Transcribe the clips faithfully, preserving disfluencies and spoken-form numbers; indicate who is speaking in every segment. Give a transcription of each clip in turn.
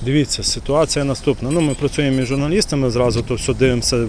Speaker 1: Дивіться, ситуація наступна. Ну, ми працюємо із журналістами, зразу то все дивимося,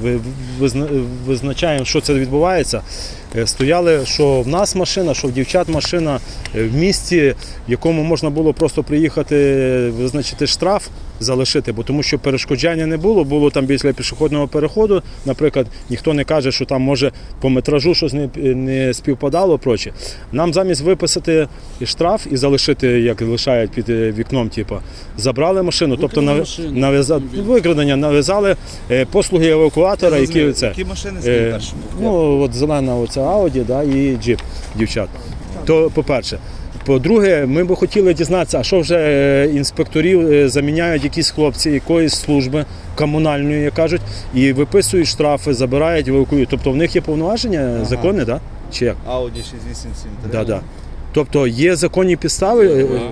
Speaker 1: визначаємо, що це відбувається. Стояли, що в нас машина, що в дівчат машина в місті, в якому можна було просто приїхати, визначити штраф, залишити, бо тому що перешкоджання не було, було там біля пішохідного переходу, наприклад, ніхто не каже, що там може по метражу щось не, не співпадало, проче. Нам замість виписати штраф і залишити, як лишають під вікном, типу, забрали машину, тобто нав'язали викрадення, нав'язали послуги евакуатора, які це.
Speaker 2: Які машини стоять перші?
Speaker 1: Ну, от зелена оця Ауді, да, і джип дівчат. То, по-перше. По-друге, ми б хотіли дізнатися, а що вже інспекторів заміняють якісь хлопці якоїсь служби комунальної, як кажуть, і виписують штрафи, забирають, евакуюють. Тобто в них є повноваження ага. закони, да? Чи як?
Speaker 2: Ауді шість вісім сім три.
Speaker 1: Да, да. Тобто є законні підстави?
Speaker 3: Евакуйовані.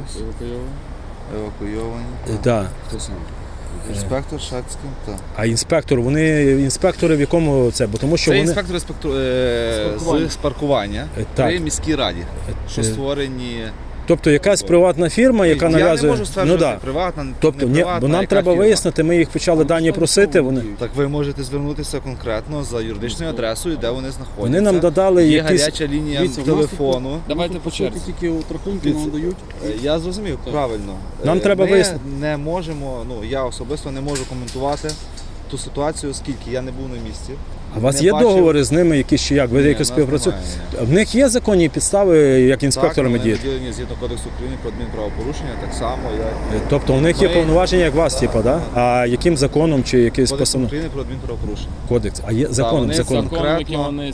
Speaker 2: Евакуйовані.
Speaker 1: Да.
Speaker 3: Хто сам?
Speaker 2: Інспектор Шацький, так.
Speaker 1: А інспектор, вони інспектори в якому це? Бо тому що
Speaker 2: це
Speaker 1: вони...
Speaker 2: інспектори спекту... е... з паркування при міській раді, що створені...
Speaker 1: Тобто якась приватна фірма, яка
Speaker 2: я
Speaker 1: нав'язує...
Speaker 2: Я не можу стверджувати,
Speaker 1: ну, да.
Speaker 2: приватна,
Speaker 1: тобто,
Speaker 2: не приватна,
Speaker 1: бо нам треба
Speaker 2: фірма.
Speaker 1: вияснити, ми їх почали дані просити. Вони...
Speaker 2: Так ви можете звернутися конкретно за юридичною адресою, де вони знаходяться.
Speaker 1: Вони нам додали
Speaker 2: є
Speaker 1: якісь...
Speaker 2: гаряча лінія Дивіться, телефону.
Speaker 3: Давайте по черзі.
Speaker 4: Тільки рахунки нам дають.
Speaker 2: Я зрозумів, так. правильно.
Speaker 1: Нам
Speaker 2: ми
Speaker 1: треба вияснити.
Speaker 2: не можемо, ну я особисто не можу коментувати ту ситуацію, оскільки я не був на місці.
Speaker 1: А у вас
Speaker 2: не
Speaker 1: є
Speaker 2: бачив...
Speaker 1: договори з ними якісь чи як? Ви якось співпрацюєте? В них є законні підстави, як інспекторами
Speaker 2: так,
Speaker 1: діяти?
Speaker 2: Так, вони згідно Кодексу України про адмінправопорушення, так само, як...
Speaker 1: Тобто у них
Speaker 2: ми...
Speaker 1: є повноваження, як вас, типу, да? А яким законом чи якийсь
Speaker 2: Кодекс
Speaker 1: постанов...
Speaker 2: України про адмінправопорушення.
Speaker 1: Кодекс. А є законом,
Speaker 3: да,
Speaker 1: законом.
Speaker 3: Законом, які вони...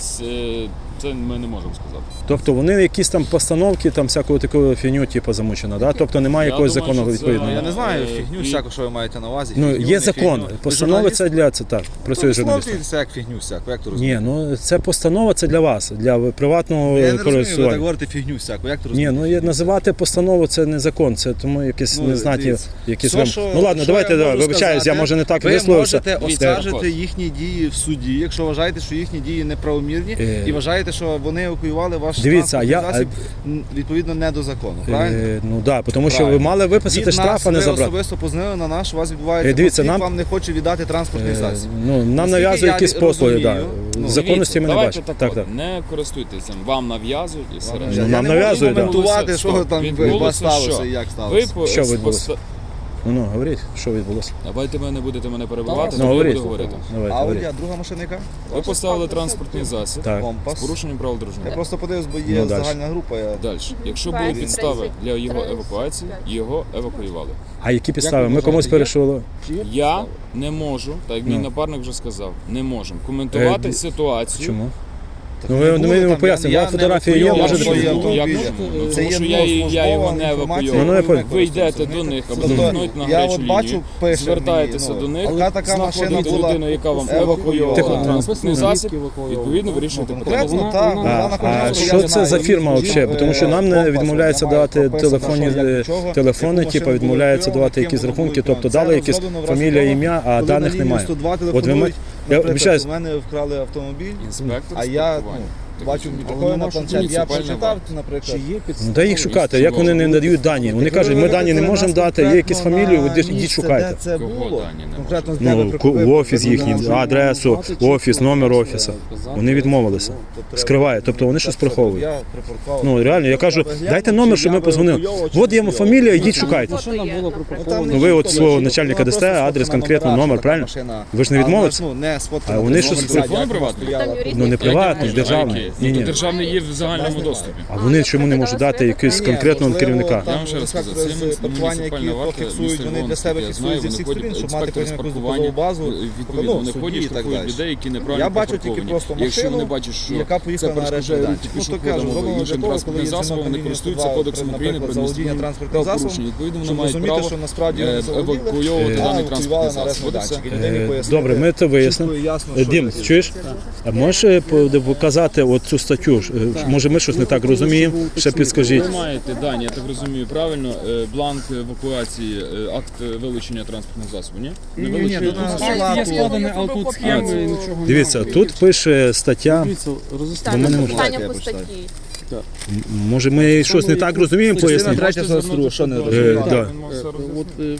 Speaker 3: Це ми не можемо сказати.
Speaker 1: Тобто вони якісь там постановки, там всякого такого фігню, типу, замучено, да? Тобто немає
Speaker 3: я
Speaker 1: якогось
Speaker 3: думаю,
Speaker 1: закону відповідного.
Speaker 2: Я не знаю, фігню всяку, що ви маєте на увазі.
Speaker 1: Ну,
Speaker 2: фігню,
Speaker 1: є закон.
Speaker 2: фігню.
Speaker 1: Постанова це для, це так, працює журналіст.
Speaker 2: Це як фігню всяку, як то
Speaker 1: Ні,
Speaker 2: розумієте?
Speaker 1: ну це постанова, це для вас, для приватного
Speaker 2: Я не розумію, ви так
Speaker 1: користування.
Speaker 2: говорите фігню всяку, як то
Speaker 1: Ні,
Speaker 2: розумієте?
Speaker 1: ну є- називати постанову це не закон, це тому якісь
Speaker 2: Ну,
Speaker 1: незнаті,
Speaker 2: дивіться.
Speaker 1: якісь
Speaker 2: Все,
Speaker 1: вам...
Speaker 2: що-
Speaker 1: Ну ладно,
Speaker 2: що
Speaker 1: давайте,
Speaker 2: я
Speaker 1: да,
Speaker 2: можу
Speaker 1: вибачаюсь, я
Speaker 2: сказати,
Speaker 1: може не так
Speaker 2: ви
Speaker 1: висловився.
Speaker 2: можете
Speaker 3: Дивіться,
Speaker 2: оскаржити їхні дії в суді, якщо вважаєте, що їхні дії неправомірні,
Speaker 1: Е.
Speaker 2: і вважаєте, що вони евакуювали ваш
Speaker 1: Дивіться, а я-
Speaker 2: транспортний засіб, м, відповідно не до закону, правильно?
Speaker 1: Е, ну так, да, тому що ви
Speaker 2: Правильно.
Speaker 1: мали виписати
Speaker 2: Від
Speaker 1: штраф,
Speaker 2: нас
Speaker 1: а не
Speaker 2: ви
Speaker 1: забрати.
Speaker 2: особисто познали на наш, у вас відбувається
Speaker 1: Е, дивіться,
Speaker 2: конфлікт,
Speaker 1: нам-
Speaker 2: вам не хоче віддати транспортний
Speaker 1: Е,
Speaker 2: засіб.
Speaker 1: Ну, нам
Speaker 2: Наскільки
Speaker 1: нав'язують
Speaker 2: я
Speaker 1: якісь послуги, да.
Speaker 2: розумію,
Speaker 1: законності ми не
Speaker 3: Давайте
Speaker 1: бачимо.
Speaker 3: так,
Speaker 1: Так,
Speaker 3: от,
Speaker 1: так.
Speaker 3: не користуйтеся, вам нав'язують і все
Speaker 2: Я
Speaker 3: решта.
Speaker 1: Ну,
Speaker 2: не
Speaker 1: нам
Speaker 2: можу
Speaker 1: нав'язують, да.
Speaker 2: коментувати, що там
Speaker 3: Відбулося
Speaker 2: у вас сталося
Speaker 3: що?
Speaker 2: і як
Speaker 3: Ви
Speaker 2: сталося.
Speaker 3: по-
Speaker 1: Що
Speaker 3: з-
Speaker 1: відбулося?
Speaker 3: поста-
Speaker 1: Ну, ну, говоріть, що відбулося.
Speaker 3: Давайте ви не будете мене перебивати,
Speaker 1: Ну,
Speaker 3: тоді я
Speaker 1: говоріть.
Speaker 3: буду говорити.
Speaker 1: Давайте,
Speaker 2: Ауді,
Speaker 1: говоріть.
Speaker 2: а друга машина яка?
Speaker 3: Ви поставили транспортний засіб
Speaker 1: Так.
Speaker 3: з
Speaker 2: Компас.
Speaker 3: порушенням правил дорожнього
Speaker 2: Я
Speaker 3: руху.
Speaker 2: просто подивився, бо є
Speaker 1: Ну, дальше.
Speaker 2: загальна група. Я...
Speaker 3: Далі. Якщо були підстави для його евакуації, його евакуювали.
Speaker 1: А які підстави?
Speaker 3: ви
Speaker 1: Ми комусь
Speaker 3: вважаєте,
Speaker 1: перейшли.
Speaker 3: Я не можу, так як мій
Speaker 1: Ну.
Speaker 3: напарник вже сказав, не можемо коментувати
Speaker 1: Е,
Speaker 3: ситуацію.
Speaker 1: Чому?
Speaker 2: Так
Speaker 1: Ну,
Speaker 2: не
Speaker 1: ви-
Speaker 2: було
Speaker 1: ми йому
Speaker 2: там,
Speaker 1: пояснимо,
Speaker 2: я-
Speaker 1: вам
Speaker 2: я
Speaker 1: фотографії
Speaker 2: не
Speaker 1: є,
Speaker 2: евакуював
Speaker 1: можете
Speaker 2: свої
Speaker 1: показати?
Speaker 3: Як
Speaker 2: автомобілі.
Speaker 3: можна?
Speaker 2: Це
Speaker 3: Тому
Speaker 2: є
Speaker 3: що я, її- я його не
Speaker 2: інформація,
Speaker 1: Ну, ну, я
Speaker 3: евакуював.
Speaker 1: понял.
Speaker 3: Ви йдете до них або
Speaker 2: Тобто,
Speaker 3: звернуть на
Speaker 2: я
Speaker 3: гарячу
Speaker 2: от бачу,
Speaker 3: лінію,
Speaker 2: пише
Speaker 3: звертаєтеся
Speaker 2: мені,
Speaker 3: до
Speaker 2: ну,
Speaker 3: них,
Speaker 2: яка така машина
Speaker 3: знаходите
Speaker 2: була
Speaker 3: людину, яка вам
Speaker 2: евакуйована.
Speaker 3: евакуювала транспортний
Speaker 1: Тихо.
Speaker 3: засіб, відповідно вирішуєте питання.
Speaker 2: Конкретно
Speaker 4: Вона-
Speaker 2: так,
Speaker 4: вона-
Speaker 2: вона
Speaker 1: А,
Speaker 2: знаходиться,
Speaker 1: а
Speaker 2: я
Speaker 1: що
Speaker 2: не
Speaker 1: це за
Speaker 2: знаю,
Speaker 1: фірма
Speaker 2: її,
Speaker 1: взагалі? Бо тому що нам не
Speaker 2: компас,
Speaker 1: відмовляється
Speaker 2: немає
Speaker 1: давати
Speaker 2: прописано,
Speaker 1: телефонні
Speaker 2: що, як, чого,
Speaker 1: телефони,
Speaker 2: яку
Speaker 1: типу
Speaker 2: машину
Speaker 1: відмовляється
Speaker 2: було
Speaker 1: давати
Speaker 2: евакуйовано,
Speaker 1: якісь
Speaker 2: ким
Speaker 1: рахунки,
Speaker 2: було
Speaker 1: тобто дали якісь
Speaker 2: зроблено в разі
Speaker 1: фамілія,
Speaker 2: того,
Speaker 1: ім'я, а
Speaker 2: коли
Speaker 1: даних
Speaker 2: на лінію
Speaker 1: немає.
Speaker 2: сто два
Speaker 1: От ви
Speaker 2: телефонують,
Speaker 1: ма- я
Speaker 2: наприклад,
Speaker 1: обіцяюсь.
Speaker 2: у мене вкрали автомобіль,
Speaker 3: Інспектор
Speaker 2: а
Speaker 3: з
Speaker 2: я
Speaker 3: паркування.
Speaker 2: ну,
Speaker 3: Так,
Speaker 2: бачу
Speaker 3: але
Speaker 2: такое на
Speaker 4: нема
Speaker 2: планшет,
Speaker 3: що
Speaker 2: я
Speaker 3: муніципальна
Speaker 2: прочитав,
Speaker 3: варта.
Speaker 2: наприклад.
Speaker 4: Чи є
Speaker 1: Ну
Speaker 4: підстави?
Speaker 1: де їх шукати? Як вони не надають дані? Вони кажуть, ми дані не можемо дати, є якісь фамілії, ви йдіть- йдіть шукайте.
Speaker 2: Де це
Speaker 3: Кого
Speaker 2: було?
Speaker 3: дані не
Speaker 2: Конкретно з
Speaker 1: Ну,
Speaker 2: тебе
Speaker 1: ку-
Speaker 2: прикупив,
Speaker 1: в офіс їхній,
Speaker 2: прикупив,
Speaker 1: адресу, офіс, номер офісу. Вони відмовилися.
Speaker 2: Тобто
Speaker 1: Скривають, тобто вони щось
Speaker 2: так,
Speaker 1: приховують.
Speaker 2: я припаркував.
Speaker 1: Ну реально, я кажу, дайте номер, щоб ми позвонили. От є фамілія, йдіть шукайте.
Speaker 4: Машина була припаркована.
Speaker 1: Ну ви от свого начальника дасте, адрес, конкретно номер, правильно? Ви ж не відмовитеся?
Speaker 2: Ну, не сфоткано.
Speaker 1: А вони щось
Speaker 3: телефон приватний?
Speaker 1: Ну не приватний, державний. Ні,
Speaker 3: Ні,
Speaker 1: ні.
Speaker 3: державний є в загальному доступі.
Speaker 1: А вони чому не можуть дати якогось конкретного керівника?
Speaker 3: Я вам ще раз скажу, це
Speaker 2: паркування, які
Speaker 3: муніципальна варта,
Speaker 2: фіксують,
Speaker 3: місто
Speaker 2: вони для себе
Speaker 3: Львовське, я
Speaker 2: фіксують зі
Speaker 3: знаю,
Speaker 2: всіх
Speaker 3: вони
Speaker 2: сторін, щоб
Speaker 3: ходять,
Speaker 2: мати потім
Speaker 3: інспектори з
Speaker 2: якусь
Speaker 3: паркування,
Speaker 2: доказову базу,
Speaker 3: відповідно,
Speaker 2: ну,
Speaker 3: вони
Speaker 2: судді
Speaker 3: ходять,
Speaker 2: і так
Speaker 3: штрафують
Speaker 2: далі.
Speaker 3: людей, які неправильно
Speaker 2: Я бачу тільки
Speaker 3: припарковані.
Speaker 2: просто
Speaker 3: Якщо вони
Speaker 2: машину,
Speaker 3: бачать, що
Speaker 2: яка
Speaker 3: це
Speaker 2: поїхала на
Speaker 3: перешкоджає
Speaker 2: арешт
Speaker 3: руху
Speaker 2: майданчик. Ну, то
Speaker 3: пішоходам
Speaker 2: кажу,
Speaker 3: або
Speaker 2: зроблено
Speaker 3: іншим
Speaker 2: для того,
Speaker 3: транспортним
Speaker 2: коли є
Speaker 3: засобом,
Speaker 2: дзвінок
Speaker 3: вони
Speaker 2: на
Speaker 3: користуються
Speaker 2: лінію
Speaker 3: кодексом
Speaker 2: сто два,
Speaker 3: України про
Speaker 2: наприклад, заволодіння
Speaker 3: адміністративні
Speaker 2: транспортним
Speaker 3: правопорушення.
Speaker 2: засобом,
Speaker 3: Відповідно, вони
Speaker 2: щоб
Speaker 3: мають
Speaker 2: розуміти,
Speaker 3: право
Speaker 2: що насправді
Speaker 3: е,
Speaker 2: вони заволоділи,
Speaker 3: евакуйовувати
Speaker 1: Е,
Speaker 3: даний
Speaker 2: а
Speaker 3: транспортний
Speaker 2: евакуювали на арешт
Speaker 3: засіб. От і все.
Speaker 2: майданчик. І ніде не
Speaker 1: Е,
Speaker 2: пояснили.
Speaker 1: Добре, ми це вияснимо.
Speaker 2: Чітко і ясно,
Speaker 1: Е,
Speaker 2: що
Speaker 1: Дім,
Speaker 2: таке.
Speaker 1: чуєш? А можеш е, по- показати от цю статтю? Е, Може ми щось не так розуміємо? Ще підскажіть.
Speaker 3: Ви маєте дані, я так розумію, правильно, е, бланк евакуації, е, акт вилучення транспортного засобу, ні? Не
Speaker 2: Ні, ні,
Speaker 3: вилучили?
Speaker 2: тут на
Speaker 4: Є
Speaker 2: салату.
Speaker 4: складені, але тут схеми і нічого
Speaker 1: Дивіться,
Speaker 4: немає.
Speaker 1: тут пише стаття.
Speaker 4: Дивіться, роз'ясніть.
Speaker 1: Бо ми не можемо.
Speaker 5: питання
Speaker 2: Я
Speaker 5: по
Speaker 2: почитаю.
Speaker 5: статті.
Speaker 1: М- Може ми щось не так розуміємо,
Speaker 2: Частина
Speaker 1: поясніть?
Speaker 2: третя, що що не
Speaker 1: Е,
Speaker 2: розумію.
Speaker 1: да.
Speaker 4: От, е,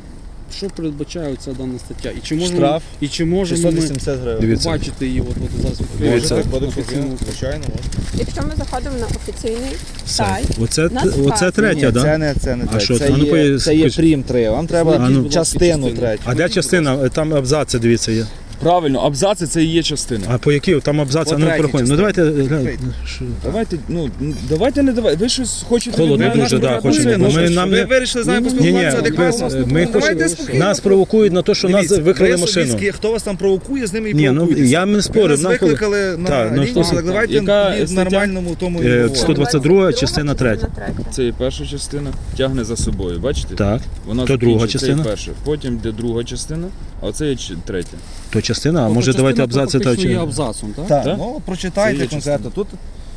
Speaker 4: що передбачає ця дана стаття? І чи можемо,
Speaker 2: Штраф
Speaker 4: і чи можемо
Speaker 2: шістсот
Speaker 4: ми
Speaker 2: вісімдесят гривень.
Speaker 1: Дивіться.
Speaker 4: побачити її от, от зараз?
Speaker 1: Дивіться.
Speaker 4: відкриваю
Speaker 2: Кодекс
Speaker 4: офіційну-
Speaker 2: України, звичайно, можна.
Speaker 5: Якщо ми заходимо на офіційний сайт,
Speaker 1: Оце,
Speaker 5: нас
Speaker 1: оце
Speaker 5: вказує.
Speaker 1: третя,
Speaker 2: Ні,
Speaker 1: да?
Speaker 2: це не, це не
Speaker 1: А
Speaker 2: третє.
Speaker 1: що
Speaker 2: це,
Speaker 1: це? А ну,
Speaker 2: є,
Speaker 1: пояс-
Speaker 2: це є
Speaker 1: пояс-
Speaker 2: прим три. Вам треба
Speaker 1: А ну.
Speaker 2: частину
Speaker 4: Частину.
Speaker 2: третю.
Speaker 1: А де частина? Там абзаци, дивіться, є.
Speaker 3: Правильно, абзаци це і є частина.
Speaker 1: А по якій? Там абзаци,
Speaker 2: По
Speaker 1: ну
Speaker 2: третій
Speaker 1: переходимо. Ну
Speaker 2: частині.
Speaker 1: давайте, глянь,
Speaker 2: Відкрийте.
Speaker 1: що-
Speaker 3: Давайте, ну давайте не давайте. Ви щось хочете
Speaker 1: Холодно
Speaker 3: від мене?
Speaker 1: дуже, да,
Speaker 3: Ну,
Speaker 1: хочемо.
Speaker 3: ну,
Speaker 1: Бо
Speaker 3: що
Speaker 1: ми
Speaker 3: ж,
Speaker 1: нам
Speaker 2: Ви
Speaker 1: не-
Speaker 2: вирішили з нами
Speaker 1: Ні, ні,
Speaker 2: поспілкуватися
Speaker 1: ми,
Speaker 2: адекватно?
Speaker 1: ми
Speaker 2: Давайте
Speaker 1: хочемо,
Speaker 2: спокійно.
Speaker 1: нас провокують на те, що нас
Speaker 2: Дивіться,
Speaker 1: викрили
Speaker 2: ви
Speaker 1: машину.
Speaker 2: собі, хто вас там провокує, з ними і
Speaker 1: Ні, ну
Speaker 2: провокуйтеся.
Speaker 1: я не спорю.
Speaker 2: Ви нас
Speaker 1: нам коли-
Speaker 2: викликали на
Speaker 1: Так, ну,
Speaker 2: лінію,
Speaker 1: що-
Speaker 2: так давайте
Speaker 3: Яка
Speaker 2: в
Speaker 3: стаття?
Speaker 2: нормальному тому і
Speaker 1: Е,
Speaker 2: говоримо.
Speaker 1: сто двадцять друга, частина третя.
Speaker 3: Це є перша частина, тягне за собою. Бачите?
Speaker 1: Так,
Speaker 3: Вона
Speaker 1: то друга
Speaker 3: закінчує, це є
Speaker 1: частина.
Speaker 3: перша. Потім йде друга частина, а це є ч- третя.
Speaker 1: то частина, а
Speaker 4: Тобто
Speaker 1: може давайте
Speaker 4: частина
Speaker 1: абзаци та
Speaker 4: фактично є
Speaker 1: чи.
Speaker 4: абзацом, так?
Speaker 2: Так,
Speaker 3: Так?
Speaker 2: ну
Speaker 3: Це
Speaker 2: прочитайте
Speaker 3: є
Speaker 2: конкретно. Тут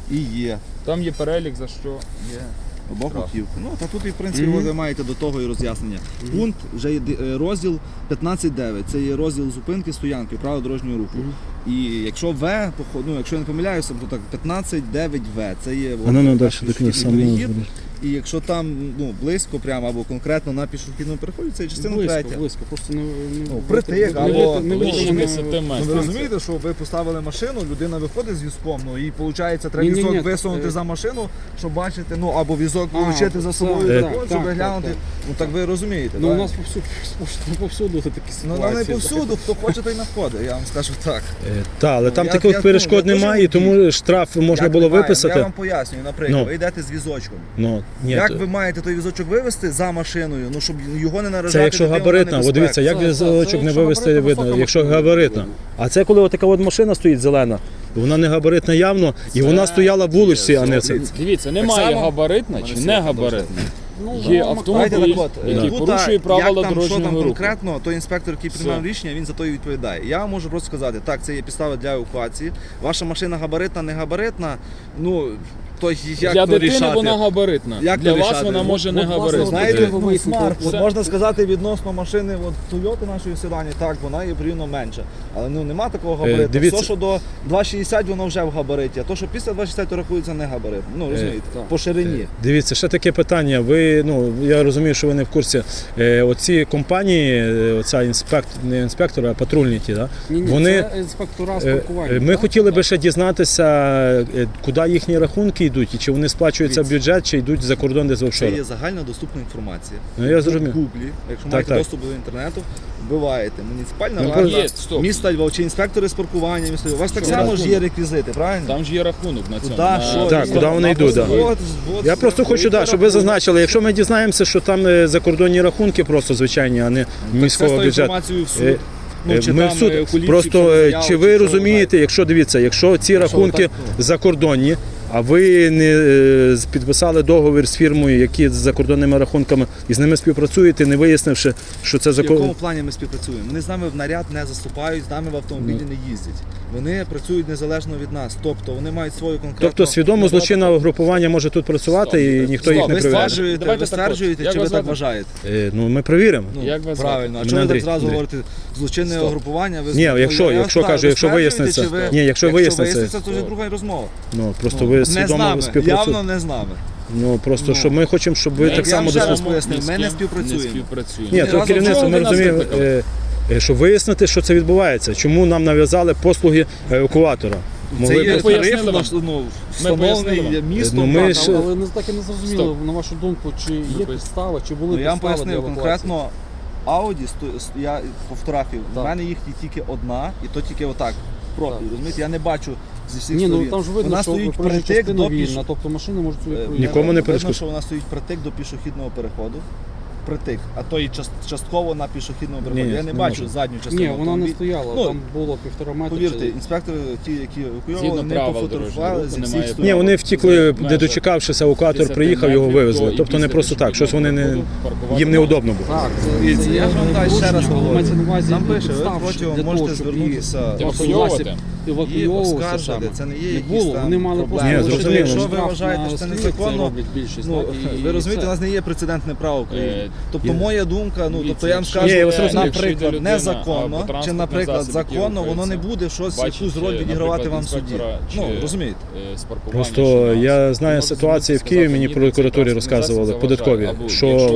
Speaker 2: і є.
Speaker 3: Там є перелік, за що є.
Speaker 2: Обох
Speaker 3: Штраф.
Speaker 2: боків. Ну, та тут і в принципі
Speaker 4: Мгм.
Speaker 2: ви маєте до того і роз'яснення. Пункт, вже є ди- е, розділ п'ятнадцять дев'ять. Це є розділ зупинки, стоянки, правил дорожнього руху.
Speaker 4: Мгм.
Speaker 2: І якщо В, поход- ну, якщо я не помиляюся, то так п'ятнадцять дев'ять В. Це є
Speaker 1: А ну, ну, далі,
Speaker 2: перший
Speaker 1: до кінця,
Speaker 2: пішохідний
Speaker 1: саме.
Speaker 2: перехід. І якщо там ну, близько прямо або конкретно на пішохідному переході, це є частина
Speaker 4: Близько,
Speaker 2: третя.
Speaker 4: близько. Просто не, не,
Speaker 2: Ну, притик,
Speaker 4: не- не-
Speaker 2: або
Speaker 4: не
Speaker 3: ближче
Speaker 4: можемо
Speaker 3: десяти
Speaker 4: на-
Speaker 3: метрів.
Speaker 2: Ну, ви розумієте, що ви поставили машину, людина виходить з візком, ну і виходить, треба
Speaker 4: Ні-ні-ні,
Speaker 2: візок висунути
Speaker 4: е,
Speaker 2: за машину, щоб бачити, ну або візок
Speaker 4: А,
Speaker 2: влучити за собою,
Speaker 4: так,
Speaker 2: закон,
Speaker 4: так,
Speaker 2: щоб
Speaker 4: так,
Speaker 2: глянути.
Speaker 4: так.
Speaker 2: Ну так ви розумієте.
Speaker 4: Ну, у
Speaker 2: правильно?
Speaker 4: нас повсюду, повсюду такі
Speaker 2: Ну,
Speaker 4: ситуації.
Speaker 2: ну, не повсюду, хто хоче, той находить, я вам скажу так.
Speaker 1: Так, але
Speaker 2: Ну,
Speaker 1: там
Speaker 2: я-
Speaker 1: таких
Speaker 2: я-
Speaker 1: перешкод
Speaker 2: ну, я
Speaker 1: немає, і
Speaker 2: дуже
Speaker 1: тому штраф можна
Speaker 2: Як
Speaker 1: було
Speaker 2: немає?
Speaker 1: виписати.
Speaker 2: Я вам пояснюю, наприклад,
Speaker 1: Ну.
Speaker 2: ви йдете з візочком.
Speaker 1: Ну, ні,
Speaker 2: Як
Speaker 1: то-
Speaker 2: ви маєте той візочок вивезти за машиною, ну щоб його не наражати?
Speaker 1: Це якщо
Speaker 2: дитину на
Speaker 1: габаритна, от
Speaker 2: небезпеку?
Speaker 1: дивіться, як
Speaker 4: Це- це-
Speaker 1: візочок
Speaker 4: це
Speaker 1: не
Speaker 4: якщо
Speaker 1: вивезти
Speaker 4: габаритна,
Speaker 1: видно,
Speaker 4: висока
Speaker 1: якщо
Speaker 4: машина
Speaker 1: габаритна.
Speaker 4: видно.
Speaker 1: А це коли така от машина стоїть зелена, вона не габаритна явно, і вона стояла в вулиці, а не це.
Speaker 3: Дивіться, немає
Speaker 2: само?
Speaker 3: габаритна чи
Speaker 2: Мене
Speaker 3: не
Speaker 2: світло
Speaker 3: габаритна.
Speaker 4: Ну,
Speaker 3: Є
Speaker 4: да,
Speaker 3: автомобіль.
Speaker 2: Давайте так от,
Speaker 3: який
Speaker 2: тут,
Speaker 3: порушує
Speaker 2: як
Speaker 3: правила
Speaker 2: там, що
Speaker 3: дорожнього
Speaker 2: там
Speaker 3: руху.
Speaker 2: конкретно, той інспектор, який приймав
Speaker 3: Все.
Speaker 2: рішення, він за то і відповідає. Я можу просто сказати, так, це є підстава для евакуації. Ваша машина габаритна, не габаритна. Ну, то як
Speaker 3: Для
Speaker 2: то
Speaker 3: дитини
Speaker 2: рішати?
Speaker 3: вона габаритна.
Speaker 2: Як
Speaker 3: Для
Speaker 2: то
Speaker 3: вас
Speaker 2: рішати?
Speaker 3: вона
Speaker 2: Ну,
Speaker 3: може не
Speaker 4: от, власне,
Speaker 3: габаритна.
Speaker 2: Знаєте,
Speaker 4: ви
Speaker 2: ну,
Speaker 4: вияснили,
Speaker 2: смарт, от
Speaker 3: все.
Speaker 2: можна сказати відносно машини от Toyota нашої седані, так, вона є порівняно менша. Але ну нема такого габариту.
Speaker 1: дивіться.
Speaker 2: Все, що до два шістдесят, воно вже в габариті, а то, що після два шістдесят, то рахується не габарит. Ну, розумієте,
Speaker 4: так.
Speaker 2: по ширині.
Speaker 1: Дивіться, ще таке питання. Ви, ну, я розумію, що ви не в курсі. Е, оці компанії, е, оця інспектор, не інспектори, а патрульні ті, да?
Speaker 4: Ні, ні,
Speaker 1: Вони,
Speaker 4: це інспектора з
Speaker 1: Е,
Speaker 4: паркування.
Speaker 1: е, Ми хотіли би ще дізнатися, е, куди їхні рахунки йдуть, і чи вони сплачуються в бюджет, чи йдуть за кордон десь в
Speaker 2: Це
Speaker 1: офшори.
Speaker 2: є загально доступна інформація.
Speaker 1: Ну, я зрозумів.
Speaker 2: В Гуглі, якщо
Speaker 1: Так,
Speaker 2: маєте
Speaker 1: так.
Speaker 2: доступ до інтернету, вбиваєте муніципальна
Speaker 1: Ну,
Speaker 2: варта,
Speaker 3: Є, стоп.
Speaker 2: міста Львова чи інспектори з паркування міста Львова. У вас так
Speaker 3: Що,
Speaker 2: само ж
Speaker 3: рахунок?
Speaker 2: є реквізити, правильно?
Speaker 3: Там ж є рахунок на цьому.
Speaker 2: Куди,
Speaker 3: на-
Speaker 2: що,
Speaker 1: Так,
Speaker 2: є?
Speaker 1: куди вони
Speaker 2: На
Speaker 1: йдуть, да.
Speaker 2: просто- от, от,
Speaker 1: Я просто хочу, да, щоб ви
Speaker 2: рахунок.
Speaker 1: зазначили, якщо ми дізнаємося, що там е, закордонні рахунки просто звичайні, а не міського
Speaker 2: Це з
Speaker 1: бюджету.
Speaker 2: інформацією в суд.
Speaker 1: Е,
Speaker 2: Ну,
Speaker 1: Е,
Speaker 2: чи
Speaker 1: Ми
Speaker 2: там,
Speaker 1: в суд.
Speaker 2: е, окулівці,
Speaker 1: Просто
Speaker 2: чи
Speaker 1: е,
Speaker 2: заяву,
Speaker 1: чи ви
Speaker 2: що
Speaker 1: розумієте, якщо дивіться, якщо ці рахунки
Speaker 2: так, ну.
Speaker 1: закордонні, а ви не е, з- підписали договір з фірмою, які з закордонними рахунками, і з ними співпрацюєте, не вияснивши, що це
Speaker 2: В якому
Speaker 1: закон.
Speaker 2: плані ми співпрацюємо? Вони з нами в наряд не заступають, з нами в автомобілі
Speaker 1: Ну.
Speaker 2: не їздять. Вони працюють незалежно від нас. Тобто вони мають свою конкретну...
Speaker 1: Тобто свідомо злочинне угрупування може тут працювати і ніхто їх
Speaker 2: Стоп,
Speaker 1: не
Speaker 2: ви
Speaker 1: перевіряє.
Speaker 2: стверджуєте,
Speaker 3: Давайте
Speaker 2: ви
Speaker 3: так от.
Speaker 2: стверджуєте,
Speaker 3: Як
Speaker 2: чи ви
Speaker 3: вас
Speaker 2: так
Speaker 3: звати?
Speaker 2: вважаєте?
Speaker 1: Е, Ну ми перевіримо.
Speaker 2: Ну,
Speaker 3: Як вас звати?
Speaker 2: правильно. А
Speaker 1: Мене
Speaker 2: чого ви
Speaker 1: Андрій,
Speaker 2: так зразу
Speaker 1: Андрій.
Speaker 2: говорите злочинне
Speaker 1: Стоп.
Speaker 2: угрупування? Ви
Speaker 1: Ні,
Speaker 2: ну,
Speaker 1: якщо-
Speaker 2: я
Speaker 1: якщо
Speaker 2: вас
Speaker 1: кажу, якщо
Speaker 2: питаю, ви
Speaker 1: виясниться-
Speaker 2: стверджуєте, чи
Speaker 1: Ні, якщо виясниться-
Speaker 2: виясниться, то вже друга розмова.
Speaker 1: Ну просто
Speaker 2: Ну,
Speaker 1: ви
Speaker 2: не з
Speaker 1: свідомо
Speaker 2: нами,
Speaker 1: співпрацюєте.
Speaker 2: явно не з нами.
Speaker 1: Ну просто
Speaker 2: Ну.
Speaker 1: що ми хочемо, щоб ви
Speaker 3: Ми-
Speaker 1: так
Speaker 2: я
Speaker 1: само
Speaker 2: вам ще раз
Speaker 1: дослухали.
Speaker 2: поясню,
Speaker 3: Ні з
Speaker 2: ми не
Speaker 3: ким
Speaker 2: співпрацюємо.
Speaker 3: Не співпрацюємо.
Speaker 1: Ні,
Speaker 2: Ні,
Speaker 1: то
Speaker 2: разом
Speaker 1: керівництво
Speaker 2: чого
Speaker 1: ми
Speaker 2: ви нас
Speaker 1: розуміємо,
Speaker 2: викликали?
Speaker 1: е, е, щоб вияснити, що це відбувається. Чому нам нав'язали послуги евакуатора?
Speaker 2: Це
Speaker 1: Могли
Speaker 2: є
Speaker 1: б-
Speaker 3: пояснили
Speaker 2: тариф,
Speaker 3: вам.
Speaker 2: наш, ну,
Speaker 3: пояснили
Speaker 2: встановлений
Speaker 3: вам.
Speaker 2: містом.
Speaker 1: Ну, ми
Speaker 2: так,
Speaker 1: ж-
Speaker 2: але-
Speaker 4: Але не так і не зрозуміло,
Speaker 1: Стоп.
Speaker 4: на вашу думку, чи є
Speaker 3: поясніть.
Speaker 4: підстава, чи були
Speaker 2: Ну, я вам
Speaker 4: підстави для
Speaker 2: пояснив
Speaker 4: евакуації?
Speaker 2: конкретно Audi, сто- с- я по фотографії, в
Speaker 4: Так.
Speaker 2: мене їх є тільки одна, і то тільки отак, в профіль,
Speaker 4: Так.
Speaker 2: розумієте, я не бачу зі всіх
Speaker 4: Ні, ну
Speaker 2: сторін.
Speaker 4: там ж видно,
Speaker 2: Вона
Speaker 4: що
Speaker 2: стоїть
Speaker 4: проїжджа
Speaker 2: притик
Speaker 4: частина
Speaker 2: до
Speaker 4: вільна,
Speaker 2: піш...
Speaker 4: тобто машини можуть собі
Speaker 2: Е,
Speaker 4: проїжджати.
Speaker 1: Нікому не
Speaker 2: видно,
Speaker 1: перешкоджає.
Speaker 2: що вона стоїть притик до пішохідного переходу. Притик, а то і част- частково на пішохідному переході.
Speaker 1: Ні,
Speaker 2: я не
Speaker 1: не
Speaker 2: бачу
Speaker 1: може.
Speaker 2: задню частину.
Speaker 4: Ні, вона не
Speaker 2: автомобіля.
Speaker 4: стояла,
Speaker 2: Ну,
Speaker 4: там було півтора метра.
Speaker 2: Повірте,
Speaker 4: чи-
Speaker 2: інспектори, ті, які евакуювали,
Speaker 3: Згідно
Speaker 2: не
Speaker 3: правил
Speaker 2: пофотографували
Speaker 3: дорожнього
Speaker 2: зі
Speaker 3: руху
Speaker 2: всіх
Speaker 3: немає
Speaker 2: сторін.
Speaker 1: Ні, вони втікли, не
Speaker 3: Межах
Speaker 1: дочекавшися, евакуатор
Speaker 3: десять
Speaker 1: приїхав, його
Speaker 3: метрів
Speaker 1: вивезли.
Speaker 3: до-
Speaker 1: Тобто
Speaker 3: і
Speaker 1: не
Speaker 3: після
Speaker 1: просто так, щось вони не
Speaker 3: пішохідного переходу
Speaker 1: їм неудобно було.
Speaker 4: Так, це,
Speaker 2: Дивіться,
Speaker 4: це
Speaker 2: я ж вам
Speaker 4: не
Speaker 2: далі ще раз
Speaker 4: порушення, але
Speaker 2: говорю.
Speaker 4: мається на увазі
Speaker 2: Там пише, ви
Speaker 4: підстав,
Speaker 2: протягом
Speaker 4: для того,
Speaker 2: можете
Speaker 4: щоб
Speaker 2: звернутися
Speaker 4: її
Speaker 3: Евакуйовувати.
Speaker 2: і
Speaker 4: евакуйовувався
Speaker 2: оскаржити.
Speaker 4: саме.
Speaker 2: Це не є
Speaker 4: Не
Speaker 2: якісь
Speaker 4: було,
Speaker 2: там
Speaker 4: вони мали просто
Speaker 2: проблеми.
Speaker 1: Ні,
Speaker 4: лише
Speaker 1: зрозуміло.
Speaker 2: Якщо ви
Speaker 4: штраф
Speaker 2: вважаєте,
Speaker 4: на
Speaker 2: що це
Speaker 4: стрілок,
Speaker 2: незаконно,
Speaker 4: роблять більшість.
Speaker 2: ну,
Speaker 4: так, і-
Speaker 2: ви
Speaker 4: і
Speaker 2: розумієте, у
Speaker 4: все.
Speaker 2: нас не є прецедентне право України.
Speaker 3: Е,
Speaker 2: Тобто
Speaker 1: є.
Speaker 2: моя думка, ну тобто я вам
Speaker 3: Дивіться,
Speaker 2: скажу,
Speaker 1: Ні, я вас розумію.
Speaker 3: Якщо йде
Speaker 2: наприклад,
Speaker 3: людина
Speaker 2: незаконно,
Speaker 3: або
Speaker 2: чи,
Speaker 3: транспортний
Speaker 2: наприклад,
Speaker 3: засіб,
Speaker 2: законно,
Speaker 3: який
Speaker 2: воно не
Speaker 3: рухається,
Speaker 2: буде щось,
Speaker 3: бачить,
Speaker 2: якусь роль
Speaker 3: е,
Speaker 2: відігравати
Speaker 3: наприклад,
Speaker 2: вам в суді.
Speaker 3: інспектора
Speaker 2: Ну,
Speaker 3: чи,
Speaker 2: розумієте.
Speaker 3: е, з паркування,
Speaker 1: Просто
Speaker 3: чи нас,
Speaker 1: я знаю
Speaker 3: може
Speaker 1: ситуації в
Speaker 3: сказати,
Speaker 1: Києві, мені
Speaker 3: ні,
Speaker 1: прокуратурі
Speaker 3: цей
Speaker 1: розказували,
Speaker 3: транспортний засіб
Speaker 1: податкові,
Speaker 3: заважає. Або
Speaker 1: що
Speaker 3: якщо
Speaker 1: вони перед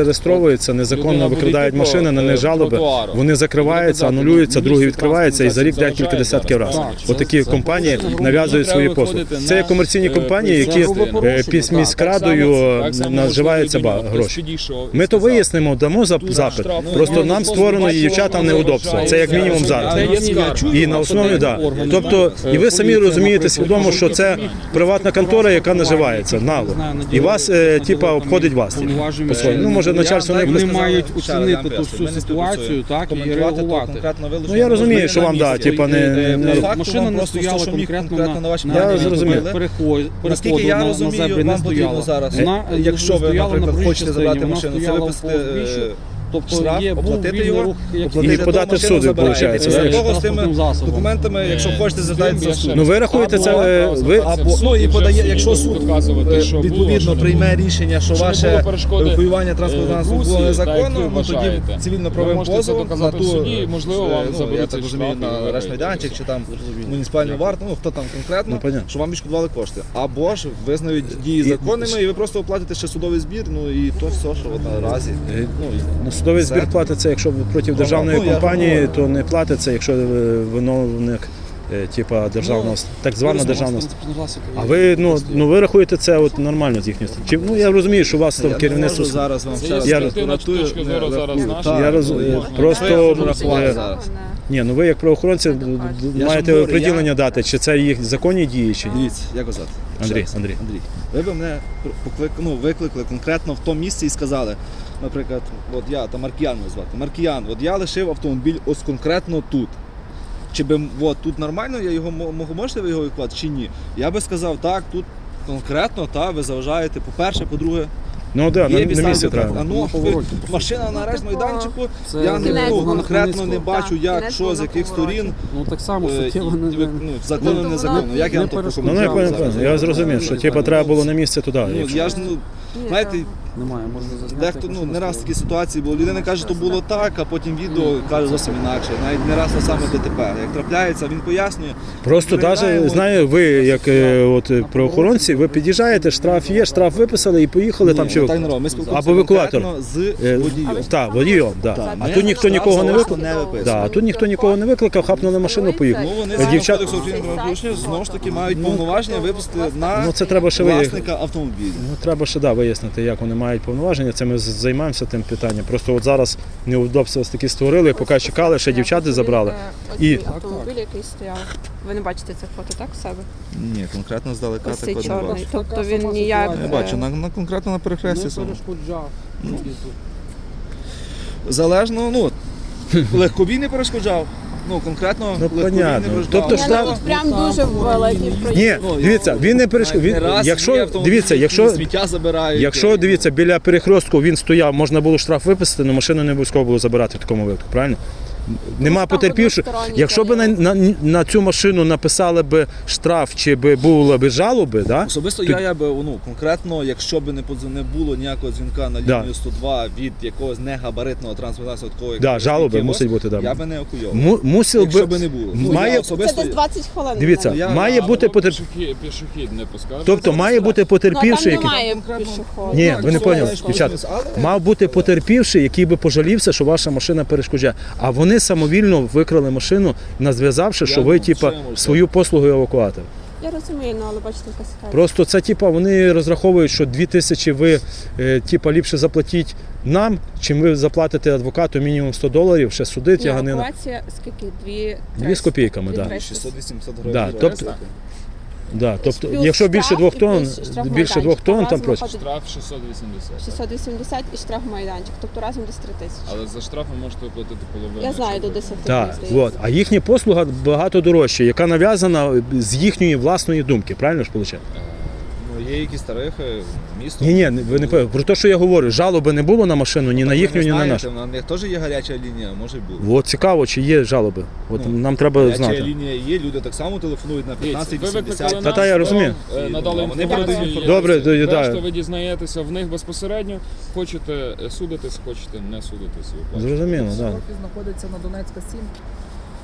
Speaker 1: зареєстровуються, незаконно
Speaker 3: Людина
Speaker 1: викрадають
Speaker 3: буде,
Speaker 1: машини, на
Speaker 3: типу,
Speaker 1: них жалоби,
Speaker 3: тротуару.
Speaker 1: вони закриваються,
Speaker 3: Буде казати,
Speaker 1: анулюються,
Speaker 3: ну,
Speaker 1: другий
Speaker 3: місце
Speaker 1: відкривається, і за рік
Speaker 3: транспортної
Speaker 1: декілька
Speaker 3: засобів
Speaker 1: десятків
Speaker 3: заважає
Speaker 1: разів.
Speaker 3: зараз.
Speaker 1: Отакі
Speaker 3: Це-
Speaker 1: компанії
Speaker 3: це грубо
Speaker 1: нав'язують
Speaker 3: треба
Speaker 1: свої послуги.
Speaker 3: виходити
Speaker 1: Це є
Speaker 3: на,
Speaker 1: комерційні
Speaker 3: е,
Speaker 1: компанії,
Speaker 3: це
Speaker 1: які
Speaker 3: грубо
Speaker 1: е,
Speaker 4: порушення,
Speaker 1: під
Speaker 4: так.
Speaker 1: міськрадою
Speaker 3: Так само
Speaker 1: наживаються
Speaker 3: можливо,
Speaker 1: ба-
Speaker 3: хтось
Speaker 1: гроші.
Speaker 3: підійшов і
Speaker 1: Ми то
Speaker 3: сказав,
Speaker 1: вияснимо, дамо за-
Speaker 3: тут
Speaker 1: запит.
Speaker 3: штраф, ну,
Speaker 1: Просто
Speaker 3: ну,
Speaker 1: нам
Speaker 3: просто
Speaker 1: створено
Speaker 3: бачили,
Speaker 1: дівчатам
Speaker 3: що
Speaker 1: неудобство.
Speaker 3: вважають,
Speaker 1: Це як
Speaker 3: що
Speaker 1: мінімум
Speaker 3: це
Speaker 1: зараз.
Speaker 3: я
Speaker 4: Це
Speaker 3: не
Speaker 4: є
Speaker 3: скажу.
Speaker 4: чую,
Speaker 1: І на основі, да.
Speaker 4: органи,
Speaker 1: Тобто,
Speaker 4: е,
Speaker 1: і ви самі
Speaker 4: поліція,
Speaker 1: розумієте
Speaker 4: наприклад,
Speaker 1: свідомо, що це приватна контора, яка наживається нало. І вас, е, типа, обходить вас. типу, по-своєму. Ну, може, начальство не
Speaker 4: Вони
Speaker 2: сказали,
Speaker 4: мають
Speaker 2: ще раз,
Speaker 4: оцінити
Speaker 2: я вам
Speaker 4: ту
Speaker 2: поясню,
Speaker 4: всю
Speaker 2: ми не
Speaker 4: ситуацію,
Speaker 2: співпрацюємо.
Speaker 4: так, і
Speaker 2: Коментувати то
Speaker 4: реагувати.
Speaker 2: конкретно вилучення
Speaker 1: Ну, я розумію,
Speaker 2: можливо,
Speaker 1: що
Speaker 2: на
Speaker 1: вам, да,
Speaker 2: місці.
Speaker 1: типа, не-
Speaker 2: Е,
Speaker 1: не-
Speaker 2: по факту
Speaker 4: Машина
Speaker 2: вам
Speaker 4: не
Speaker 2: просто
Speaker 4: стояла
Speaker 2: все, що міг
Speaker 4: конкретно
Speaker 2: конкретно
Speaker 4: на,
Speaker 2: на вашій
Speaker 1: Я
Speaker 2: машині
Speaker 1: зрозумів.
Speaker 2: зробили.
Speaker 4: переход,
Speaker 2: Наскільки
Speaker 4: переходу
Speaker 2: я
Speaker 4: на, на
Speaker 2: розумію,
Speaker 4: зебрі не
Speaker 2: вам потрібно
Speaker 4: стояла.
Speaker 2: зараз,
Speaker 4: Вона, е,
Speaker 2: якщо ви,
Speaker 4: стояла на
Speaker 2: наприклад,
Speaker 4: проїжджій
Speaker 2: хочете забрати
Speaker 4: частині, вона
Speaker 2: машину, це
Speaker 4: стояла
Speaker 2: виписати,
Speaker 4: в узбіччю,
Speaker 2: е,
Speaker 4: тобто
Speaker 2: штраф,
Speaker 4: є був
Speaker 2: оплатити
Speaker 4: вільний
Speaker 2: його,
Speaker 4: рух, як
Speaker 2: оплатити,
Speaker 1: І
Speaker 2: то
Speaker 1: подати в
Speaker 2: машину
Speaker 1: суд,
Speaker 2: забираєте.
Speaker 1: виходить,
Speaker 2: Після
Speaker 1: так?
Speaker 2: того з тими
Speaker 4: Транспортним засобом.
Speaker 2: документами, якщо хочете, звертайтеся в суд.
Speaker 1: Ну, ви рахуєте це, е, ви-
Speaker 2: Або, ну, і подає, якщо суд
Speaker 3: доказувати, що
Speaker 2: е,
Speaker 3: було,
Speaker 2: відповідно
Speaker 3: що не
Speaker 2: прийме
Speaker 3: було.
Speaker 2: рішення, що
Speaker 3: Що не
Speaker 2: ваше
Speaker 3: було перешкоди,
Speaker 2: евакуювання транспортного
Speaker 3: е,
Speaker 2: засобу було
Speaker 3: Русі, так, як
Speaker 2: незаконно,
Speaker 3: ви
Speaker 2: ну тоді
Speaker 3: вважаєте. Ви
Speaker 2: цивільно-правовим
Speaker 3: можете це
Speaker 2: позовом на
Speaker 3: доказати
Speaker 2: ту,
Speaker 3: в суді, і, можливо,
Speaker 2: е,
Speaker 3: вам
Speaker 2: ну, я
Speaker 3: заберуть
Speaker 2: так
Speaker 3: цей
Speaker 2: розумію,
Speaker 3: штраф і
Speaker 2: на
Speaker 3: ви
Speaker 2: арешт-майданчик чи там
Speaker 4: Зрозумів.
Speaker 2: муніципальну варту, ну хто там конкретно,
Speaker 1: Ну, понятно.
Speaker 2: що вам відшкодували кошти. Або ж визнають дії законними, і ви просто оплатите ще судовий збір, ну і то все, що от наразі.
Speaker 1: Е,
Speaker 2: Ну, і
Speaker 1: Ну, судовий
Speaker 2: все.
Speaker 1: збір платиться, якщо проти державної
Speaker 2: ну, я
Speaker 1: компанії,
Speaker 2: говорю.
Speaker 1: то не платиться, якщо е, виновник е, типа державного, так звана державна. А ви ну ну ви рахуєте це от нормально з їхньої сторони? Чи ну я розумію, що у вас там
Speaker 2: Я не
Speaker 1: керівництво.
Speaker 2: можу зараз вам
Speaker 3: Це
Speaker 2: ще раз
Speaker 3: є
Speaker 1: Я-
Speaker 3: суб'єктивна
Speaker 2: рахую,
Speaker 3: точка зору
Speaker 2: не
Speaker 3: зараз
Speaker 2: рахую.
Speaker 3: наша.
Speaker 2: Так,
Speaker 1: Я розумію.
Speaker 2: ну,
Speaker 1: Просто,
Speaker 2: що я можу
Speaker 1: е,
Speaker 2: рахувати зараз?
Speaker 1: Ні, ну ви як правоохоронці
Speaker 2: Я
Speaker 1: маєте
Speaker 2: ж говорю,
Speaker 1: приділення
Speaker 2: я-
Speaker 1: дати, чи це їх законні дії, чи ні?
Speaker 2: Дивіться, як вас звати?
Speaker 1: Андрій,
Speaker 2: Ще раз.
Speaker 1: Андрій.
Speaker 2: Андрій. Ви б мене поклик... ну, викликали конкретно в тому місці і сказали, наприклад, от я там Маркіян мене звати. Маркіян, от я лишив автомобіль ось конкретно тут. Чи би от тут нормально, я його мо- можу, можете ви його евакуювати, чи ні? Я би сказав, так, тут конкретно, та, ви заважаєте, по-перше, по-друге,
Speaker 1: Ну да, на,
Speaker 2: є
Speaker 1: на
Speaker 2: підстави
Speaker 1: місці
Speaker 2: для
Speaker 1: треба.
Speaker 2: штрафу. А ну,
Speaker 4: На повороті,
Speaker 2: ви- машина на арешт майданчику,
Speaker 4: Це
Speaker 2: я не
Speaker 5: кінець
Speaker 2: ну,
Speaker 5: було на
Speaker 2: конкретно не
Speaker 4: Хмельницького.
Speaker 2: бачу,
Speaker 5: Так,
Speaker 2: як,
Speaker 5: кінець
Speaker 2: що,
Speaker 5: було
Speaker 2: з
Speaker 5: на
Speaker 2: яких
Speaker 5: повороті.
Speaker 2: сторін.
Speaker 4: Ну так само
Speaker 2: Е,
Speaker 4: суттєво
Speaker 2: і-
Speaker 4: не,
Speaker 2: ви-
Speaker 4: не,
Speaker 2: ну, законно,
Speaker 5: Ну,
Speaker 2: незаконно.
Speaker 5: вона
Speaker 2: Як я
Speaker 4: не
Speaker 2: вам то
Speaker 4: перешкоджала.
Speaker 1: Ну, не
Speaker 2: прокоментую
Speaker 1: понял,
Speaker 2: зараз?
Speaker 1: я зрозумів, що типу, треба було на місці туди.
Speaker 2: Ну,
Speaker 1: якщо-
Speaker 2: я ж, ну,
Speaker 5: Ні,
Speaker 2: знаєте,
Speaker 5: там
Speaker 4: немає, можна зазняти.
Speaker 2: дехто,
Speaker 4: як
Speaker 2: ну,
Speaker 4: машина
Speaker 2: не раз такі
Speaker 4: стояла.
Speaker 2: ситуації було. Людина каже, що було так, а потім відео каже зовсім інакше. Навіть не раз те саме ДТП. Як трапляється, він пояснює.
Speaker 1: Просто
Speaker 2: Перевіряємо.
Speaker 1: навіть знаю, ви як е, от е, правоохоронці, ви під'їжджаєте, штраф є, штраф виписали і поїхали там
Speaker 2: Ні,
Speaker 1: чи
Speaker 2: ну,
Speaker 1: ви-
Speaker 2: так не робимо. Ми спілкуємося
Speaker 1: або евакуатор.
Speaker 2: конкретно з
Speaker 1: Е,
Speaker 2: водієм.
Speaker 1: Так, водієм, да.
Speaker 5: Ми
Speaker 1: А тут ніхто нікого не
Speaker 2: штраф
Speaker 1: викликав.
Speaker 2: не виписує.
Speaker 1: Да, а тут ніхто нікого не викликав, хапнули машину, поїхали.
Speaker 2: Ну, вони
Speaker 1: Е,
Speaker 2: згідно
Speaker 1: дівчат-
Speaker 2: кодексу України про правопорушення знову ж таки мають повноваження випустити на
Speaker 1: Ну це треба ще вияснити.
Speaker 2: власника автомобіля.
Speaker 1: Ну треба ще да, вияснити, як вони мають повноваження. Це ми з- займаємося тим питанням. Просто от зараз неудобства ось такі створили, поки чекали, ще дівчата забрали. І-
Speaker 5: І автомобіль, який стояв. Ви не бачите це фото, так, в себе?
Speaker 2: Ні, конкретно здалека
Speaker 5: Ось цей
Speaker 2: такого не
Speaker 5: чорний.
Speaker 2: бачу.
Speaker 5: Тобто
Speaker 4: Така
Speaker 5: він
Speaker 4: сама
Speaker 5: ніяк.
Speaker 4: ситуація.
Speaker 2: Не бачу, на, на конкретно на перехресті
Speaker 4: Не
Speaker 2: саме.
Speaker 4: перешкоджав.
Speaker 2: Залежно, ну, легковій не перешкоджав. Ну, конкретно
Speaker 1: Ну,
Speaker 2: легковій
Speaker 1: понятно.
Speaker 2: не перешкоджав.
Speaker 1: Тобто
Speaker 5: Я
Speaker 1: штраф-
Speaker 5: навіть прям дуже великий проїзд.
Speaker 1: Ні,
Speaker 2: Ну,
Speaker 1: дивіться, він не перешкод.
Speaker 2: навіть не раз є
Speaker 1: Якщо
Speaker 2: автомобілі,
Speaker 1: дивіться,
Speaker 2: які
Speaker 1: якщо
Speaker 2: сміття забирають.
Speaker 1: Якщо дивіться, біля перехрестку він стояв, можна було штраф виписати, але машину не обов'язково було забирати в такому випадку, правильно? Нема
Speaker 5: там
Speaker 1: потерпівших.
Speaker 5: односторонній
Speaker 1: Якщо б на,
Speaker 5: період.
Speaker 1: на, на цю машину написали б штраф чи би були б жалоби, да?
Speaker 2: Особисто
Speaker 1: Тут-
Speaker 2: я, я би, ну, конкретно, якщо б не, подз- не було ніякого дзвінка на
Speaker 1: Да.
Speaker 2: лінію сто два від якогось негабаритного транспортного засобу, такого, як
Speaker 1: Да, жалоби
Speaker 2: якогось,
Speaker 1: мусить бути, да.
Speaker 2: я би не евакуйовував.
Speaker 1: Му- мусив
Speaker 2: Якщо
Speaker 1: би,
Speaker 2: би не було.
Speaker 1: має-
Speaker 2: я
Speaker 5: Це
Speaker 2: особисто,
Speaker 5: десь двадцять хвилин.
Speaker 1: Дивіться,
Speaker 2: Я-
Speaker 1: має
Speaker 3: А,
Speaker 1: бути
Speaker 3: ну,
Speaker 1: потерп...
Speaker 3: пішохід, пішохід не пускав.
Speaker 1: Тобто має бути
Speaker 5: Ну, там
Speaker 1: потерпівший, який...
Speaker 5: немає
Speaker 2: Конкретно-
Speaker 5: пішоходу.
Speaker 1: Ні,
Speaker 2: Так,
Speaker 1: ви не
Speaker 2: все,
Speaker 1: поняли,
Speaker 2: я ж
Speaker 1: дівчата.
Speaker 2: розумію, але-
Speaker 1: Мав бути потерпівший, який би пожалівся, що ваша машина перешкоджає. А вони самовільно викрали машину, назв'язавши, що
Speaker 2: Я
Speaker 1: ви
Speaker 2: думаю,
Speaker 1: типа
Speaker 2: що я можу
Speaker 1: свою послугу евакуатор.
Speaker 5: Я розумію, ну, але бачите, яка ситуація.
Speaker 1: Просто це типа вони розраховують, що дві тисячі ви е, типа ліпше заплатіть нам, чим ви заплатите адвокату мінімум сто доларів, ще суди
Speaker 5: Ні,
Speaker 1: тяганина.
Speaker 5: евакуація скільки? Дві,
Speaker 1: Дві з копійками,
Speaker 5: Дві
Speaker 1: да.
Speaker 5: триста.
Speaker 2: шістсот вісімсот гривень.
Speaker 1: Да,
Speaker 2: за
Speaker 1: тобто-
Speaker 2: реєстрацію.
Speaker 1: Да, тобто,
Speaker 5: Плюс
Speaker 1: якщо більше
Speaker 5: штраф
Speaker 1: двох
Speaker 5: і
Speaker 1: тонн,
Speaker 5: плюс штраф
Speaker 1: більше двох
Speaker 5: майданчик.
Speaker 1: тонн там
Speaker 5: Разом
Speaker 1: просять.
Speaker 5: виходить
Speaker 3: Штраф шістсот вісімдесят.
Speaker 5: шістсот вісімдесят і штраф майданчик, тобто разом десь три тисячі.
Speaker 3: Але за штраф ви можете оплатити половину.
Speaker 5: Я знаю,
Speaker 3: якщо
Speaker 5: до
Speaker 3: ви-
Speaker 5: десяти.
Speaker 1: Так,
Speaker 5: здається.
Speaker 1: от. А їхня послуга багато дорожча, яка нав'язана з їхньої власної думки, правильно ж виходить?
Speaker 2: Ну, є якісь тарифи, місто.
Speaker 1: Ні, ні, ви не пам'ятаєте. Про те, що я говорю, жалоби не було на машину, ні на їхню, ні на нашу.
Speaker 2: На них теж є гаряча лінія, може й бути.
Speaker 1: От цікаво, чи є жалоби. От
Speaker 2: Ну,
Speaker 1: нам треба
Speaker 2: Гаряча
Speaker 1: знати.
Speaker 2: лінія є, люди так само телефонують на
Speaker 3: Дивіться,
Speaker 2: п'ятнадцять
Speaker 3: ви викликали
Speaker 2: вісімдесят.
Speaker 1: Та-та, я
Speaker 3: нас,
Speaker 1: розумію.
Speaker 3: вам, е, надали
Speaker 2: Вони
Speaker 3: інформацію.
Speaker 2: передають
Speaker 3: є
Speaker 1: Добре,
Speaker 3: всі.
Speaker 1: да.
Speaker 3: Решта ви дізнаєтеся в них безпосередньо. Хочете е, судитись, хочете не судитись. і оплачувати.
Speaker 1: Зрозуміло, так. Да.
Speaker 6: Офіс знаходиться на Донецька сім.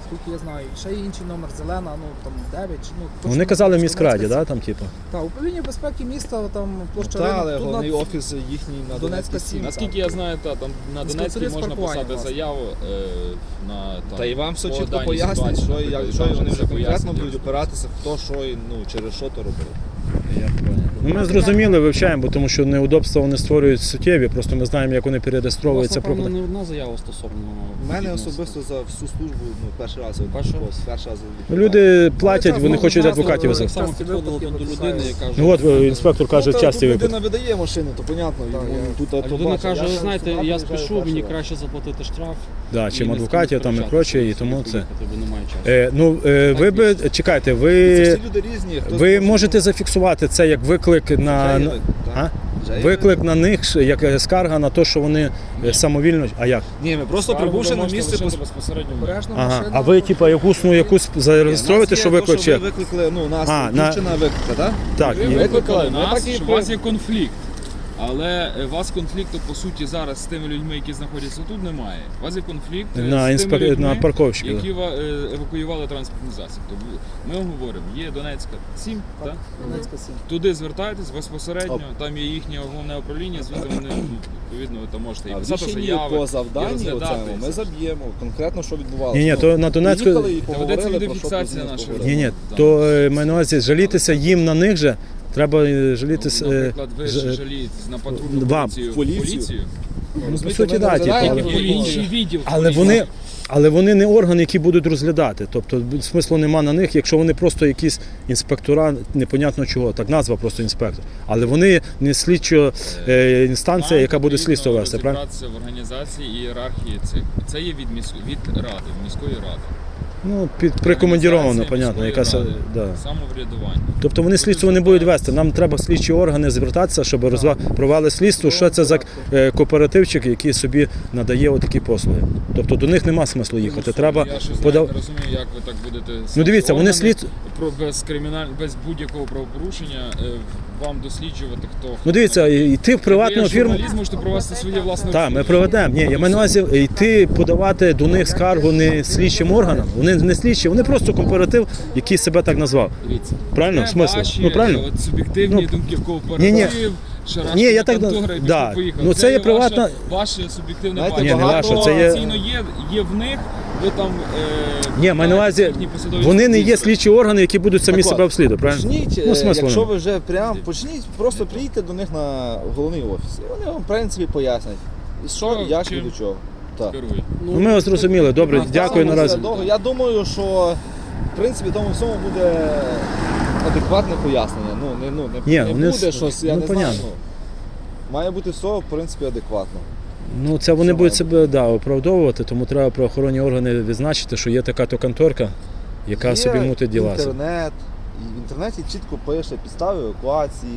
Speaker 6: Скільки я знаю. І ще є інший номер зелена, ну там дев'ять. чи, Ну, точно
Speaker 1: Вони казали в
Speaker 6: не
Speaker 1: міськраді,
Speaker 6: Донецька
Speaker 1: да, там, типу?
Speaker 6: Так, управління безпеки міста, там площа
Speaker 2: Та,
Speaker 6: ринок,
Speaker 2: але
Speaker 6: тут
Speaker 2: головний
Speaker 6: на-
Speaker 2: офіс їхній на
Speaker 6: Донецька
Speaker 2: Донецькій
Speaker 6: сім.
Speaker 2: сім.
Speaker 3: Наскільки я знаю, та, там на
Speaker 6: З
Speaker 3: Донецькій
Speaker 6: консулів
Speaker 3: можна
Speaker 6: паркування,
Speaker 3: писати
Speaker 6: власне.
Speaker 3: заяву е, на там,
Speaker 2: Та і вам все
Speaker 3: по
Speaker 2: чітко
Speaker 3: даній
Speaker 2: пояснять,
Speaker 3: ситуації,
Speaker 2: що, і як,
Speaker 3: наприклад,
Speaker 2: що і
Speaker 3: там
Speaker 2: вони
Speaker 3: все
Speaker 2: вже конкретно
Speaker 3: пояснять.
Speaker 2: будуть опиратися, хто що і ну, через що то робив.
Speaker 1: Я понял. Ну, ми зрозуміли, вивчаємо, бо тому що неудобства вони створюють суттєві, просто ми знаємо, як вони перереєстровуються.
Speaker 4: Напевно,
Speaker 1: проходять.
Speaker 4: не одна заява стосовно.
Speaker 2: У мене
Speaker 4: відносно.
Speaker 2: особисто за всю службу ну, перший раз. от,
Speaker 4: Перший
Speaker 2: от,
Speaker 4: раз?
Speaker 2: перший раз
Speaker 1: Ну, люди платять,
Speaker 6: це
Speaker 1: вони
Speaker 6: знову
Speaker 1: хочуть
Speaker 6: назва,
Speaker 1: адвокатів
Speaker 6: е,
Speaker 1: визвати.
Speaker 4: Так само
Speaker 6: Часті
Speaker 4: підходило
Speaker 6: випадки
Speaker 4: там до
Speaker 6: виписали.
Speaker 4: людини і каже.
Speaker 1: Ну от е, інспектор каже,
Speaker 2: ну,
Speaker 1: часті
Speaker 2: тут
Speaker 1: випадки.
Speaker 2: людина видає машини, то понятно.
Speaker 6: Так,
Speaker 2: йому
Speaker 6: я-
Speaker 2: тут
Speaker 4: А
Speaker 2: то
Speaker 4: людина
Speaker 2: бачить.
Speaker 4: каже,
Speaker 2: Я
Speaker 4: ви
Speaker 2: ж
Speaker 4: знаєте,
Speaker 2: сюди
Speaker 4: я
Speaker 2: приїжджаю
Speaker 4: спішу,
Speaker 2: перший
Speaker 4: мені
Speaker 2: раз.
Speaker 4: краще заплатити штраф.
Speaker 1: Да,
Speaker 4: і
Speaker 1: чим
Speaker 4: не з ким
Speaker 1: адвокатів, там і
Speaker 4: сперечатися,
Speaker 1: проче, і
Speaker 4: собі
Speaker 1: тому це.
Speaker 4: поїхати, бо немає часу.
Speaker 1: Е, ну, е, ви
Speaker 4: Так,
Speaker 1: би,
Speaker 4: дійсно.
Speaker 1: чекайте,
Speaker 2: Це
Speaker 1: ви,
Speaker 2: всі люди різні. хтось
Speaker 1: ви
Speaker 2: може,
Speaker 1: можете
Speaker 2: ну,
Speaker 1: зафіксувати це як виклик на,
Speaker 2: вже є
Speaker 1: на-
Speaker 2: виклик,
Speaker 1: а?
Speaker 2: так. Вже є
Speaker 1: виклик на них, ш- як е, скарга на те, що вони е, самовільно, а як?
Speaker 2: Ні, ми просто
Speaker 3: Скаргу
Speaker 2: прибувши
Speaker 3: ви
Speaker 2: на
Speaker 3: можете
Speaker 2: місце,
Speaker 3: лишити
Speaker 2: пос-
Speaker 3: безпосередньо.
Speaker 6: Обережно
Speaker 1: Ага.
Speaker 6: машина.
Speaker 1: А ви, типа, якусь, ну, якусь зареєструєте,
Speaker 2: Нас
Speaker 1: що
Speaker 2: є то,
Speaker 1: виклик
Speaker 2: що
Speaker 1: чи?
Speaker 2: ви викликали, ну, нас
Speaker 1: А,
Speaker 2: а,
Speaker 1: на-
Speaker 2: дівчина виклика, так?
Speaker 1: Так,
Speaker 3: Ви
Speaker 1: і-
Speaker 2: викликали,
Speaker 3: викликали
Speaker 2: ми
Speaker 3: нас,
Speaker 2: так і
Speaker 3: що у
Speaker 2: при-
Speaker 3: вас є конфлікт. Але е, у вас конфлікту, по суті, зараз з тими людьми, які знаходяться тут, немає. У вас є конфлікт е,
Speaker 1: на,
Speaker 3: з
Speaker 1: інспек...
Speaker 3: тими людьми,
Speaker 1: на парковщиків.
Speaker 3: які ва- е, евакуювали транспортний засіб. Тобто ми говоримо, є Донецька сім, так?
Speaker 6: Донецька сім.
Speaker 3: Туди звертайтесь безпосередньо, там є їхнє головне управління, звідти вони, ну, відповідно, ви там можете і
Speaker 2: А в
Speaker 3: писати
Speaker 2: рішенні
Speaker 3: заяви,
Speaker 2: по
Speaker 3: і
Speaker 2: завданню
Speaker 3: розглядати
Speaker 2: оцьому
Speaker 3: це.
Speaker 2: ми заб'ємо конкретно, що відбувалося.
Speaker 1: Ні, ні,
Speaker 2: Ну,
Speaker 1: то на Донецьку...
Speaker 2: приїхали і
Speaker 3: Та
Speaker 2: поговорили,
Speaker 3: ведеться
Speaker 2: про що
Speaker 3: відеофіксація
Speaker 2: тут
Speaker 3: наша.
Speaker 2: поговорили.
Speaker 1: Ні, ні,
Speaker 3: Да.
Speaker 1: то е, маю на увазі жалітися їм на них же, треба е, жалітися...
Speaker 3: Ну,
Speaker 1: е,
Speaker 3: наприклад, ви
Speaker 1: ж-
Speaker 3: ж жалієтесь на патрульну
Speaker 1: вам.
Speaker 3: поліцію, в
Speaker 2: Поліцію.
Speaker 3: поліцію.
Speaker 1: Ну, по
Speaker 2: Розумієте,
Speaker 1: суті,
Speaker 2: ми
Speaker 1: да,
Speaker 2: не
Speaker 1: типу,
Speaker 2: розглядаємо
Speaker 1: але-
Speaker 3: Є
Speaker 2: Поліцію.
Speaker 3: інший відділ.
Speaker 1: Але вони, але вони не органи, які будуть розглядати. Тобто смислу нема на них, якщо вони просто якісь інспектора, непонятно чого, так назва просто інспектор. Але вони не слідчо е, інстанція,
Speaker 3: Нам
Speaker 1: яка буде
Speaker 3: потрібно
Speaker 1: слідство вести, правильно?
Speaker 3: розібратися в організації і ієрархії цих. Це є від, міс... від ради, міської ради.
Speaker 1: Ну, під прикомандіровано,
Speaker 3: Організація
Speaker 1: понятно,
Speaker 3: міської
Speaker 1: якась.
Speaker 3: ради,
Speaker 1: Да.
Speaker 3: Самоврядування.
Speaker 1: Тобто вони слідство не будуть вести. Нам треба слідчі органи звертатися, щоб розва... провели слідство, що це за е, кооперативчик, який собі надає отакі послуги. Тобто до них нема смислу їхати. Треба
Speaker 3: Я ще
Speaker 1: подав...
Speaker 3: не розумію, як ви так будете.
Speaker 1: Ну дивіться, вони
Speaker 3: органи
Speaker 1: слід.
Speaker 3: про без криміналь... без будь-якого правопорушення е, вам досліджувати, хто
Speaker 1: Ну дивіться, йти в приватну
Speaker 3: ви,
Speaker 1: фірму.
Speaker 3: журналіст, можете провести своє власне
Speaker 1: Так, ми
Speaker 3: розслідування.
Speaker 1: проведемо. Ні, я маю на увазі йти подавати до них скаргу не слідчим органам. Вони не слідчі, вони просто кооператив, який себе так назвав.
Speaker 3: Дивіться.
Speaker 1: Правильно? В
Speaker 3: Це
Speaker 1: смислі?
Speaker 3: ваші,
Speaker 1: Ну правильно?
Speaker 3: е, От суб'єктивні
Speaker 1: Ну,
Speaker 3: думки в кооператив,
Speaker 1: ні, ні.
Speaker 3: шарашкіна
Speaker 1: Ні, я так-
Speaker 3: контора, і
Speaker 1: да.
Speaker 3: поїхав.
Speaker 1: Ну, це є приватна-
Speaker 3: Ваше, ваше суб'єктивне
Speaker 2: Знаєте,
Speaker 3: бачення.
Speaker 1: Ні, не
Speaker 2: багато-
Speaker 1: ваше, це є-
Speaker 3: Офіційно є, є в них, ви там... Е,
Speaker 1: Ні, маю на увазі,
Speaker 3: їхні посадові
Speaker 1: вони не є
Speaker 3: структури.
Speaker 1: слідчі органи, які будуть самі
Speaker 2: Так от,
Speaker 1: себе обслідувати, правильно?
Speaker 2: Почніть,
Speaker 1: Ну,
Speaker 2: е,
Speaker 1: смислу
Speaker 2: якщо
Speaker 1: нема.
Speaker 2: ви вже прям почніть, просто приїдьте до них на головний офіс. І вони вам, в принципі, пояснять. І що,
Speaker 3: Що,
Speaker 2: як і
Speaker 3: чим?
Speaker 2: до чого. Так.
Speaker 3: Керує.
Speaker 1: Ну, ми вас зрозуміли. Добре,
Speaker 2: Ну,
Speaker 1: дякую
Speaker 2: так,
Speaker 1: наразі.
Speaker 2: це довго. Я думаю, що в принципі тому всьому буде адекватне пояснення. Ну, не, ну, не,
Speaker 1: Ні,
Speaker 2: не
Speaker 1: вони
Speaker 2: буде
Speaker 1: с-
Speaker 2: щось, я
Speaker 1: ну,
Speaker 2: не
Speaker 1: понятно.
Speaker 2: знаю. Ну, має бути все, в принципі, адекватно.
Speaker 1: Ну, це вони
Speaker 2: Що
Speaker 1: будуть
Speaker 2: має
Speaker 1: себе да, оправдовувати, тому треба правоохоронні органи відзначити, що є така то конторка, яка
Speaker 2: Є
Speaker 1: собі мутить діла.
Speaker 2: інтернет, і в інтернеті чітко пише підстави евакуації,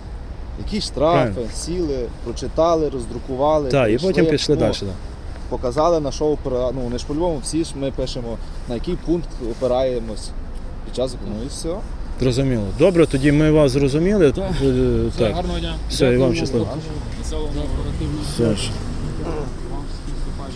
Speaker 2: які штрафи,
Speaker 1: Правильно.
Speaker 2: сіли, прочитали, роздрукували.
Speaker 1: Так, і
Speaker 2: прийшли,
Speaker 1: потім пішли
Speaker 2: ну,
Speaker 1: далі. Да.
Speaker 2: Показали на що опира... ну, вони ж по-любому всі ж ми пишемо, на який пункт опираємось під час закону, і все.
Speaker 1: Зрозуміло. Добре, тоді ми вас зрозуміли.
Speaker 3: Так.
Speaker 1: Е,
Speaker 3: Все,
Speaker 1: Так.
Speaker 3: гарного дня.
Speaker 1: Все, і вам щасливо.
Speaker 3: Веселого нового року.
Speaker 1: Все ж.